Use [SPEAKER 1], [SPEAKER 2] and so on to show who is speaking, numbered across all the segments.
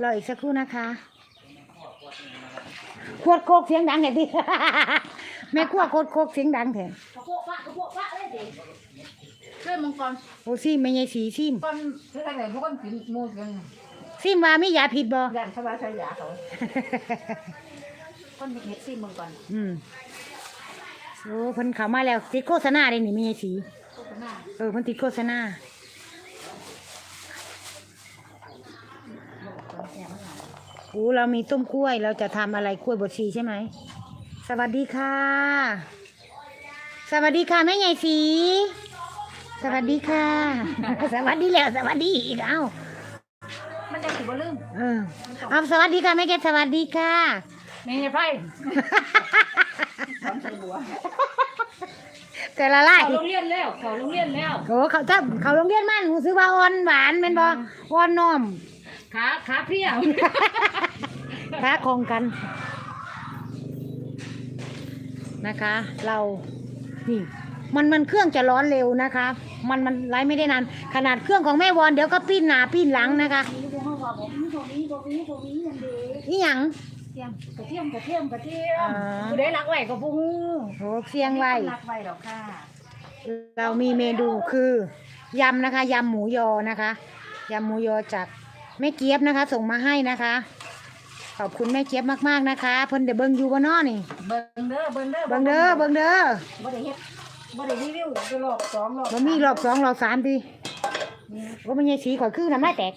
[SPEAKER 1] รออีกสักครู่นะคะขวดโคกเสียงดังเห็นดิแม่ขั้วโคกโคกเสียงดังเถอะ
[SPEAKER 2] กระโปะปะเลยดิเรื่องมังกร
[SPEAKER 1] โอ้ซิมไม่ใช่สีซิม
[SPEAKER 2] ก่อนคืออะไรพวกคนกินมูกัน
[SPEAKER 1] ซิมว่ามียาผิดบ่
[SPEAKER 2] ยันสบายใจยาเขาคนเฮ็ดซิมังกร
[SPEAKER 1] โอ้เพิ่นเข้ามาแล้วติดโฆษณาได้นี่ไม่ใช่สีเพิ่นติดโฆษณาโอ้เรามีต้มกล้วยเราจะทำอะไรกล้วยบดชีใช่ไหมสวัสดีค่ะสวัสดีค่ะแม่ใหญ่สีสวัสดีค่ะสวัสดีแล้วสวัสดีอีก
[SPEAKER 2] มันจะถือว่าลืม
[SPEAKER 1] เอาสวัสดีค่ะแม่แกสวัสดีค่ะ
[SPEAKER 2] นี่ไพ่
[SPEAKER 1] แต่ละไล่
[SPEAKER 2] เขาโรงเรียนแล้ว
[SPEAKER 1] โอ้เขาโรงเรียนมันหูซื้อว่าอ่อนหวานเป็นบ่อ่อนนม
[SPEAKER 2] ขาเพี้ย
[SPEAKER 1] ขาคงกันนะคะเรานี่มันเครื่องจะร้อนเร็วนะคะมันไล่ไม่ได้นานขนาดเครื่องของแม่วอนเดี๋ยวก็ปิ้นหน้าปิ้นหลังนะคะนี่หยัง
[SPEAKER 2] กระเทียมผู้ใดรักไว้ก็ผู้ฮู้
[SPEAKER 1] โอ้เสียงไว้
[SPEAKER 2] รักไว้ดอกค่ะ
[SPEAKER 1] เรามีเมนูคือยำนะคะยำหมูยอนะคะยำหมูยอจากแม่เจี๊ยบนะคะส่งมาให้นะคะขอบคุณแม่เจี๊ยบมากๆนะคะเพิ่นเดี๋ยวเบิ่งอยู่บ่น้อนี่
[SPEAKER 2] เบิ่งเด้อบ่ได้เฮ็ดบ่ได้รีวิวรอบ2รอบ
[SPEAKER 1] บ่มีรอบ2รอบ3ติว่ามันใหญ่สีข่อยคือน้ำลายแตก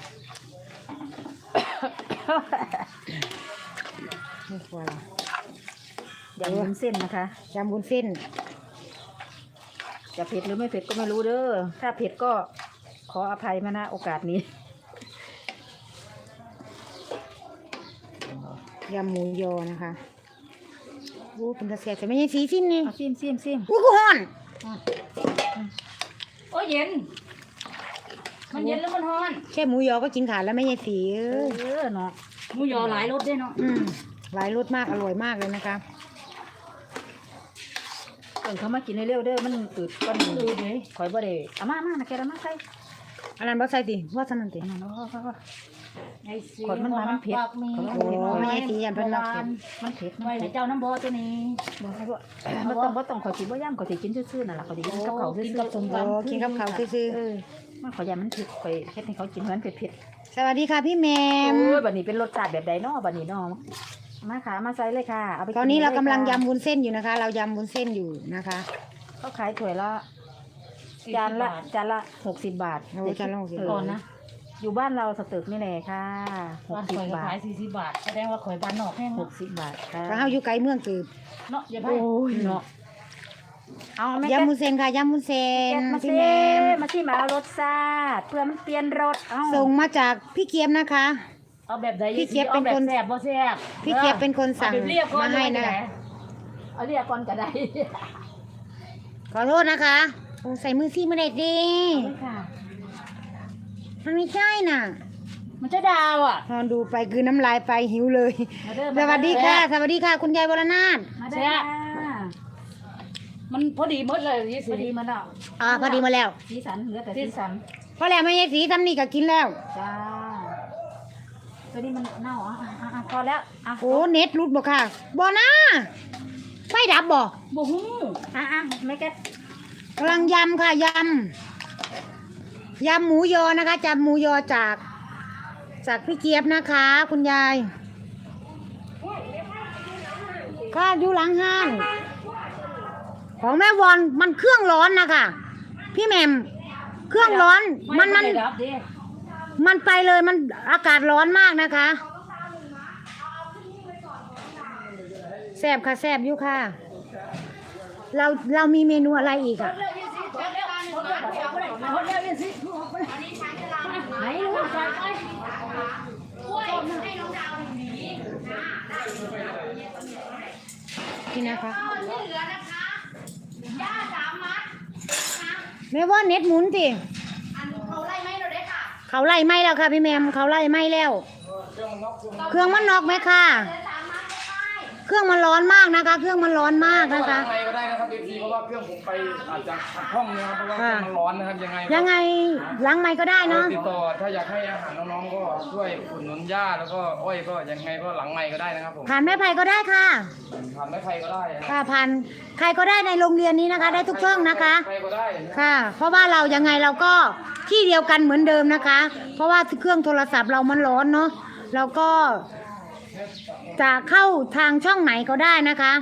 [SPEAKER 1] ไม่ควร
[SPEAKER 2] ยำวุ้นเส้นนะคะ
[SPEAKER 1] ยำวุ้นเส้น
[SPEAKER 2] จะเผ็ดหรือไม่เผ็ดก็ไม่รู้เด้อถ้าเผ็ดก็ขออภัยมาณโอกาสนี้
[SPEAKER 1] ยำหมูยอนะคะโอ้เป็นตะเสียแต่ไม่ใช่สีซิมนี่
[SPEAKER 2] ซิม
[SPEAKER 1] อู้กูฮ้อน
[SPEAKER 2] โอ้เย็นมันเย็นแล้วมันฮ้อน
[SPEAKER 1] แค่หมูยอก็กินขาดแล้วไม่ใช่สี
[SPEAKER 2] เนาะหมูยอหลายรสด้วยเนาะ
[SPEAKER 1] หลายรสมากอร่อยมากเลยนะคะ
[SPEAKER 2] เขามากินเร็วๆเด้อมันอืดก้อนอืดเลยข่อยบ่ได้เอามานะแกเอามาใส่
[SPEAKER 1] อันนั้นบ่ใส่ติว่าซั่นนั่นติ
[SPEAKER 2] คนมันเผ็ด
[SPEAKER 1] โอ้ไม่ใช่สียันเป็นมาก
[SPEAKER 2] มันเผ็ดไว้เจ้าน้ำบ่ตัวนี้บ่ต้องข่อยสิบ่ย่ำข่อยสิกินซื่อๆนั่นล่ะข่อยสิกินกับข้าวซื่อๆกินกับ
[SPEAKER 1] ข้าวซื่อ
[SPEAKER 2] มันข่อยย่ำมันเผ็ดข่อยเฮ็ดให้เขากินเหมือนเผ็ด
[SPEAKER 1] สวัสดีค่ะพี่แมม
[SPEAKER 2] โอ้ยบัดนี้เป็นรสชาติแบบใดเนาะบัดนี้เนาะมาค่ะมาใส่เลยค่ะ
[SPEAKER 1] ตอนนี้เรากำลังยำวุ้นเส้นอยู่นะคะเรายำวุ้นเส้นอยู่นะคะ
[SPEAKER 2] เขาขายถ้วยละจานละ60 บาท
[SPEAKER 1] จานละ60
[SPEAKER 2] ก่อนนะอยู่บ้านเราสตึกนี่แหละค่ะ60 บาท
[SPEAKER 3] ขาย40 บาทแสดงว่าข่อยบ้านนอกแห้ง
[SPEAKER 2] 60 บาทค่ะ
[SPEAKER 1] เขาอยู่ไกลเมืองตืบ
[SPEAKER 3] เนาะอย่าไป
[SPEAKER 2] เนาะเอา
[SPEAKER 1] ยำมุ้นเส้นค่ะยำมุ้นเส้น
[SPEAKER 2] พี่แมมาที่มาเอารสชาติเพื่อมันเปลี่ยนรส
[SPEAKER 1] ส่งมาจากพี่เกียบนะคะ
[SPEAKER 3] เอาแบบใด
[SPEAKER 1] พี่เกียบเป็นคน
[SPEAKER 3] แซ่บบ่แซ่บ
[SPEAKER 1] พี่เกียบเป็นคนสั่งมาให้นะ
[SPEAKER 2] เอาเรียกก่อนก็ได้
[SPEAKER 1] ขอโทษนะคะใส่มือซี่มาเด็ดดิมันไม่ใช่น่ะ
[SPEAKER 3] มันจะดาวอ่ะ
[SPEAKER 1] พอดูไปคือน้ำลายไปหิวเลยสวัสดีค่ะสวัสดีค่ะคุณยายวรนาถ
[SPEAKER 2] แซ่บ
[SPEAKER 3] มันพอดีหมดเลย
[SPEAKER 2] พอดีมาแล้ว
[SPEAKER 1] พอดีมาแล้ว
[SPEAKER 2] สีสันเหลือแต่สีสัน
[SPEAKER 1] พอแล้วไม่ใช่สีทำนี่ก็กินแล้ว
[SPEAKER 2] จ้าตัวนี้มันเน่าพอแล้ว
[SPEAKER 1] โอ้เน็ตรุดบ่ค่ะบ่นะไฟดับบ่
[SPEAKER 2] ฮู้ไม่แก้
[SPEAKER 1] กำลังยำค่ะยำหมูยอนะคะจำหมูยอจากพี่เจี๊ยบนะคะคุณยายก็อยู่หลังห้างของแม่วอนมันเครื่องร้อนนะคะพี่แหม่มเครื่องร้อนมันไปเลยมันอากาศร้อนมากนะคะแซ่บค่ะแซ่บอยู่ค่ะเรามีเมนูอะไรอีกอ่ะนี่นะคะแม่ว่าเน็ตหมุนสิเขาไล่ไหมแล้วค่ะพี่แมมเขาไล่ไหมแล้วเครื่องมันนอกไหมค่ะเครื่องมันร้อนมากนะคะ เครื่องมันร้อนมากนะคะ
[SPEAKER 4] ล้างไงก็ได้นะครับพี่เพราะว่าเครื่องผมไปอาจจะขัดข้องนะครับเพราะว่าเครื่องมันร้อนนะครับ
[SPEAKER 1] ยังไงล้างไม้ก็ได้เนาะ
[SPEAKER 4] ติดต่อถ้าอยากให้อาหารน้องๆก็ช่วยอุดหนุนย่าแล้วก็อ้อยก็ยังไงก็หลังไม้ก็ได้นะครับผม
[SPEAKER 1] ผ่านแม่ไผ่ก็ได้ค่ะ
[SPEAKER 4] ทำได้ใครก็ได้นะ
[SPEAKER 1] ค่ะผ่านใครก็ได้ในโรงเรียนนี้นะคะ ได้ทุกช่องนะคะ
[SPEAKER 4] ใครก็ได้นะ
[SPEAKER 1] ค่ะ เพราะว่าเรายังไงเราก็ที่เดียวกันเหมือนเดิมนะคะ เพราะว่าเครื่องโทรศัพท์เรามันร้อนเนาะเราก็จะเข้าทางช่องไหนก็ได้นะคะ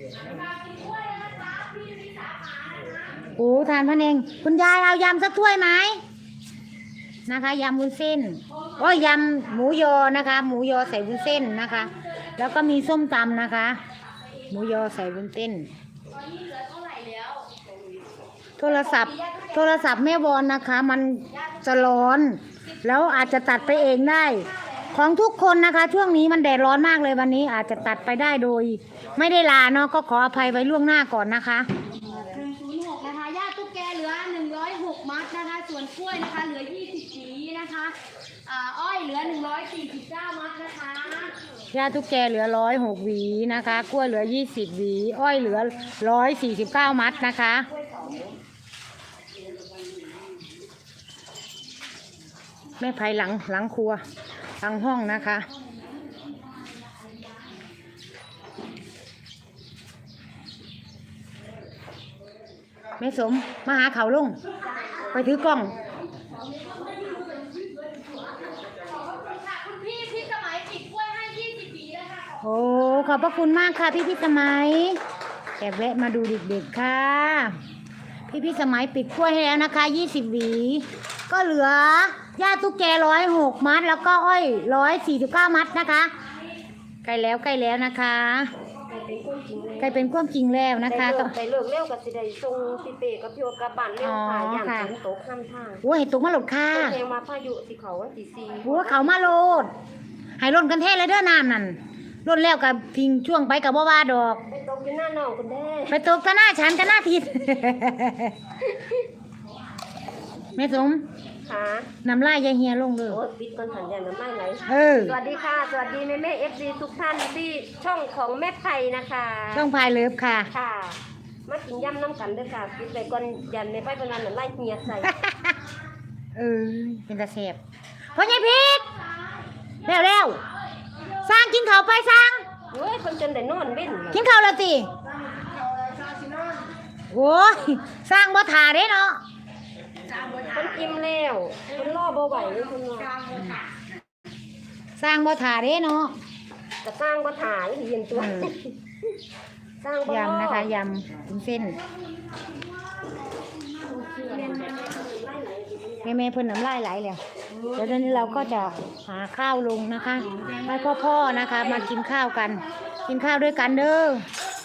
[SPEAKER 1] โอ้ทานพันเองคุณยายเอายำสักถ้วยไหมนะคะยำวุ้นเส้นโอ้ยยำหมูยอนะคะ หมูยอใส่วุ้นเส้นนะคะ แล้วก็มีส้มตำนะคะ หมูยอใส่วุ้นเส้นโทรศัพท์แม่วอนนะคะ มันจะร้อน แล้วอาจจะตัดไปเองได้ ของทุกคนนะคะ ช่วงนี้มันแดดร้อนมากเลยวันนี้อาจจะตัดไปได้โดย ไม่ได้ลาเนาะก็ขออภัยไว้ล่วงหน้าก่อนนะคะ
[SPEAKER 5] 106นะคะย่าตุ๊กแกเหลือ106มัดนะคะ ส่วนกล้วยนะคะเหลือ20หวีนะคะอ้อยเหลือ149มัดนะคะ
[SPEAKER 1] ย่าทุกแกเหลือ106 หวีนะคะ กล้วยเหลือ20 หวี อ้อยเหลือ149 มัดนะคะ แม่ไผ่หลังครัวหลังห้องนะคะ แม่สมมาหาเขาลุงไปถือกล้อง
[SPEAKER 5] คุณพี่สมัยติดกล้วยให้20หวีแล้วค่ะ
[SPEAKER 1] โอ้ขอบพระคุณมากค่ะพี่สมัยแอบแวะมาดูเด็กๆค่ะพี่สมัยปิดกล้วยให้แล้วนะคะ20 หวีก็เหลือย่าตุ๊กแก106 มัดแล้วก็อ้อย149 มัดนะคะใกล้แล้วนะคะใกล้เป็นความจริงแล้วนะคะต้อง
[SPEAKER 6] ไปเลิกเร็วกับสิได้ส่งพี่เป้กับพี่โอกับบ้านเร็วค่ะอย่างฝนตกข้ามทาง
[SPEAKER 1] โอ้ยตกมาหลดค่ะ
[SPEAKER 6] เพลงมาพายุสิเขาวันที่4
[SPEAKER 1] โอ้เขามาโลดให้ล่นกันแท้เลยเด้อน้ำนั่นล่นแล้วกับทิ้งช่วงไปกับว่าดอก
[SPEAKER 6] ไปตกอยู่หน้าหนองกันแด้
[SPEAKER 1] ไปตกกันหน้าฉันกันหน้าทิศ แม่สม
[SPEAKER 6] ค่ะ
[SPEAKER 1] น้ำลายยายเฮียลงเลย
[SPEAKER 6] โอ้ปิดก่อนหันอย่างน้ำไม่ไหล
[SPEAKER 1] ส
[SPEAKER 6] สวัสดีค่ะสวัสดีแม่เอฟซีทุกท่านที่ช่องของแม่ไผ่นะคะ
[SPEAKER 1] ช่องพายเลิฟค่ะ
[SPEAKER 6] ค่ะ มากินยำน้ำกันเด้อค่ะปิดไปก่อนยันแม่ไผ่เป็นวันนั้นไล่เฮียใส่
[SPEAKER 1] เป็นตาแสบพ่อใหญ่พีกเร็วสร้างกินข้าวไปสร้าง
[SPEAKER 6] โอ้ยคนจนได้นอนเว้น
[SPEAKER 1] กินข้าวแล้วสิโอ้ยสร้างบ่ถ่าเด้เนาะ
[SPEAKER 6] คนอิ่มแล้วคนรอบ่ไหวเลยคนว่า
[SPEAKER 1] สร้างบ่ถ่าเด้เนาะ
[SPEAKER 6] จะสร้างบ่ถ่ายเห็นตัวสร้างบ่รอย
[SPEAKER 1] ำนะคะยำวุ้นเส้นแม่เพิ่นน้ำลายไหลแล้วเดี๋ยวนี้เราก็จะหาข้าวลงนะคะให้พ่อนะคะ มากินข้าวกัน กินข้าวด้วยกันเด้อ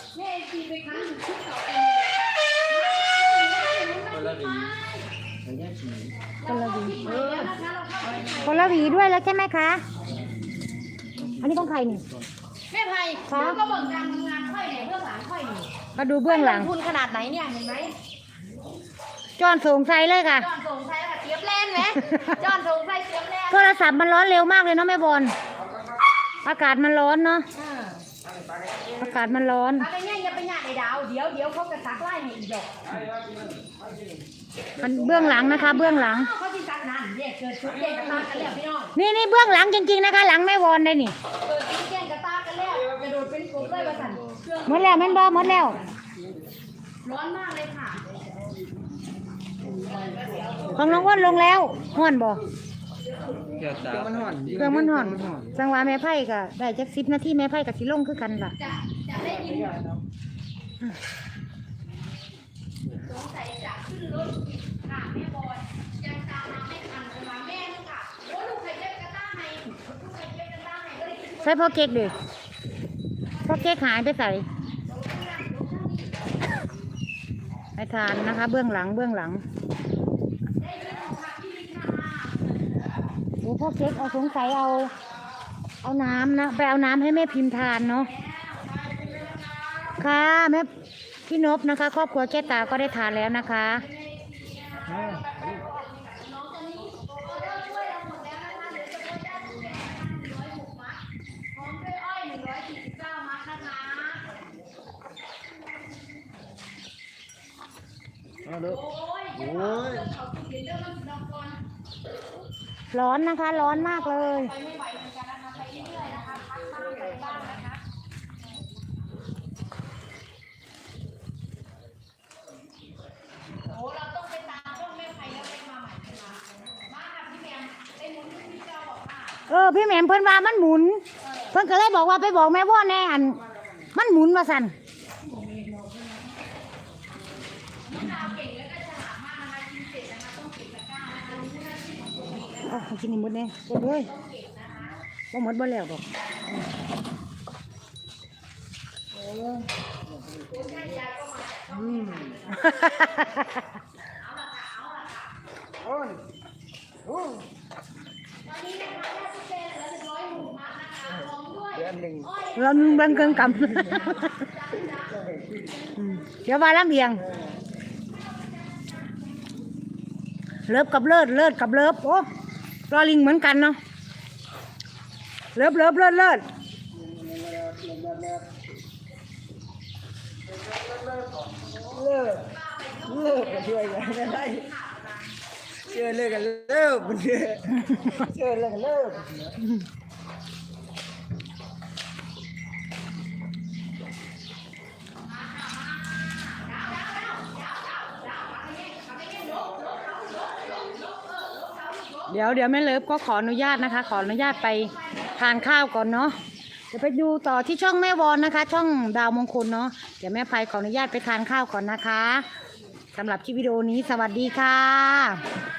[SPEAKER 1] คนละหวีด้วยแล้วใช่ไหมคะอันนี้ของใครนี่
[SPEAKER 5] แม่ไผ่ก็เบิ่งการทำงานค่อยเนี่ยเบื้องหลังค่อยนี่
[SPEAKER 1] มาดูเบื้องหลัง
[SPEAKER 5] ทุนขนาดไหนเนี่ยเห็นไหม
[SPEAKER 1] จอนสูงใส่เลยค่ะ
[SPEAKER 5] จอนส่งไฟแล้วเทียบแล่นไหมจอนส่งไฟเทียบแล่น
[SPEAKER 1] โทรศัพท์มันร้อนเร็วมากเลยเนาะแม่บอลอากาศมันร้อนเนาะอากาศมันร้อน
[SPEAKER 5] อะไรเนี่ยอย่าไปหยาดไอ้ดาวเดี๋ยวเขาจะซักไล่ให้อีกดอก
[SPEAKER 1] มันเบื้องหลังนะคะ เบื้องหลัง
[SPEAKER 5] เขาที่ซักนั่นเด็กเกิดชุดเด็กกระตากันแล้วพี่น้อง
[SPEAKER 1] นี่เบื้องหลังจริงๆนะคะ หลังแม่บอลได้นี่
[SPEAKER 5] เกิดชุดเด็กกระตากันแล้วกระโดดเป็นกบเลยว่าสั่นเครื่อง
[SPEAKER 1] หมดแล้วแม่นบอหมดแล้ว
[SPEAKER 5] ร้อนมากเลยค่ะ
[SPEAKER 1] ของน้องอ้วนลงแล้วห้อนบ่
[SPEAKER 4] เครื่องมันห่อน
[SPEAKER 1] เครื่องมันห้อนจังหวะแม่ไผ่ก็ได้จัก10 นาทีแม่ไผ่ก็สิลงคือกันล่ะ
[SPEAKER 5] จะได้ยินสงสัยจะขึ้นรถค่ะแม่บอยยังตามมาไม่ทันมาแม่นึงค่ะโอ้ลูกใครเจ็บกระต้าให้ลูกใครเจ็บกระต้าให้ก็เลย
[SPEAKER 1] ใส่พ่อเก๊กดิพ่อเก๊กหายไปใส่ให้ทานนะคะ เบื้องหลังโอ้พ่อเก๊กเอาสงสัยเอาน้ำนะไปเอาน้ำให้แม่พิมพ์ทานเนาะค่ะแม่พี่นพนะคะ ครอบครัวแก้ตาก็ได้ทานแล้วนะคะร้อนนะคะ ร้อนมากเลย พี่แหม่มเพิ่นว่ามันหมุน เพิ่นก็เลยบอกว่าไปบอกแม่ว่าแน่อันมันหมุนมาสั่นโอ้กินนี่หมดเนี่ยหมดเลยบ่หมดบ่แล้วดอกเราบังเกินกำเดี๋ยวว่าลำเอียงเลิฟกับเลิศเลิศกับเลิฟโอ้รอลิงเหมือนกันเนาะเลิฟเลิฟเลิศเลิศ
[SPEAKER 7] ช่วยกันได้เชื่อเลยกันเลิกมันเชื่อเลยกันเลิก
[SPEAKER 1] เดี๋ยวแม่เลิฟก็ขออนุญาตนะคะ ขออนุญาตไปทานข้าวก่อนเนาะเดี๋ยวไปดูต่อที่ช่องแม่วอนนะคะ ช่องดาวมงคลเนาะเดี๋ยวแม่ไพขออนุญาตไปทานข้าวก่อนนะคะสำหรับคลิปวิดีโอนี้สวัสดีค่ะ